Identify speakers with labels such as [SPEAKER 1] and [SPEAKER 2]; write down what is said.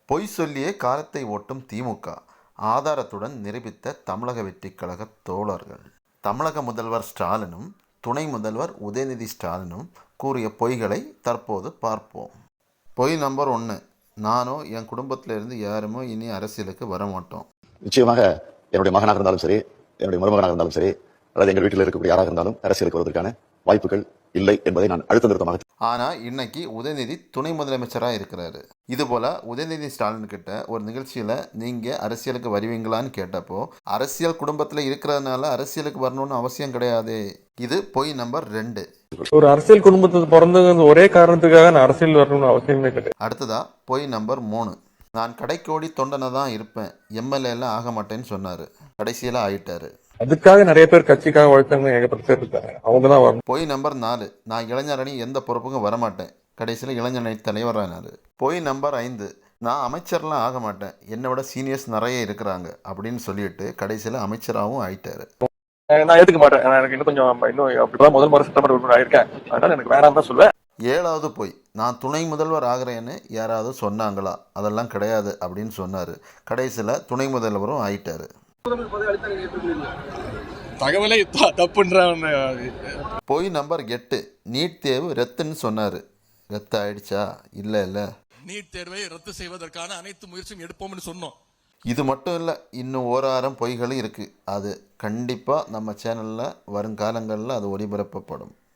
[SPEAKER 1] பொய் சொல்லியே காலத்தை ஓட்டும் திமுக ஆதாரத்துடன் நிரூபித்த தமிழக வெற்றிக் கழக தோழர்கள். தமிழக முதல்வர் ஸ்டாலினும் துணை முதல்வர் உதயநிதி ஸ்டாலினும் கூறிய பொய்களை தற்போது பார்ப்போம். பொய் நம்பர் 1, நானோ என் குடும்பத்திலிருந்து யாருமோ இனி அரசியலுக்கு வர மாட்டோம்.
[SPEAKER 2] நிச்சயமாக என்னுடைய மகனாக இருந்தாலும் சரி, என்னுடைய மருமகனாக இருந்தாலும் சரி, அல்லது எங்கள் வீட்டில் இருக்கக்கூடிய யாராக இருந்தாலும் அரசியலுக்கு வருவதற்கான வாய்ப்புகள் இல்லை என்பதை நான் அழுத்த நிறுத்தமாக.
[SPEAKER 1] ஆனால் இன்னைக்கு உதயநிதி துணை முதலமைச்சராக இருக்கிறாரு. இதுபோல் உதயநிதி ஸ்டாலின் கிட்ட ஒரு நிகழ்ச்சியில் நீங்கள் அரசியலுக்கு வருவீங்களான்னு கேட்டப்போ, அரசியல் குடும்பத்தில் இருக்கிறதுனால அரசியலுக்கு வரணும்னு அவசியம் கிடையாது. இது பொய் நம்பர் 2.
[SPEAKER 3] ஒரு அரசியல் குடும்பத்துக்கு பிறந்தது ஒரே காரணத்துக்காக நான் அரசியல் வரணும்னு அவசியமே கிடையாது.
[SPEAKER 1] அடுத்ததா பொய் நம்பர் 3, நான் கடைக்கோடி தொண்டனை தான் இருப்பேன், எம்எல்ஏலாம் ஆக மாட்டேன்னு சொன்னார். கடைசியில் ஆயிட்டாரு.
[SPEAKER 3] அதுக்காக நிறைய பேர் கட்சிக்காக உழைத்தவங்க ஏகப்பட்ட பேர் இருக்காங்க, அவங்க தான் வரணும்.
[SPEAKER 1] பொய் நம்பர் 4, நான் இளைஞரணி எந்த பொறுப்புக்கும் வரமாட்டேன். கடைசியில் இளைஞரணி தலைவரானார். பொய் நம்பர் 5, நான் அமைச்சர்லாம் ஆக மாட்டேன், என்னை விட சீனியர்ஸ் நிறைய இருக்கிறாங்க அப்படின்னு சொல்லிட்டு கடைசியில் அமைச்சராகவும் ஆயிட்டாரு.
[SPEAKER 3] நான் ஏற்றுக்க மாட்டேன், எனக்கு இன்னும் கொஞ்சம் அப்படிதான் முதல் முறை சட்டமன்ற உறுப்பினர் ஆயிருக்கேன், அதனால எனக்கு வேணாம் தான் சொல்லுவேன்.
[SPEAKER 1] 7வது பொய், நான் துணை முதல்வர் ஆகிறேன்னு யாராவது சொன்னாங்களா, அதெல்லாம் கிடையாது அப்படின்னு சொன்னார். கடைசியில் துணை முதல்வரும் ஆயிட்டாரு.
[SPEAKER 3] தகவலை தப்புன்ற.
[SPEAKER 1] பொய் நம்பர் 8, நீட் தேர்வு ரத்துன்னு சொன்னார். ரத்து ஆயிடுச்சா? இல்லை.
[SPEAKER 4] நீட் தேர்வை ரத்து செய்வதற்கான அனைத்து முயற்சியும் எடுப்போம்னு சொன்னோம்.
[SPEAKER 1] இது மட்டும் இல்லை, இன்னும் ஓராயிரம் பொய்களும் இருக்குது. அது கண்டிப்பாக நம்ம சேனலில் வருங்காலங்களில் அது ஒளிபரப்பப்படும்.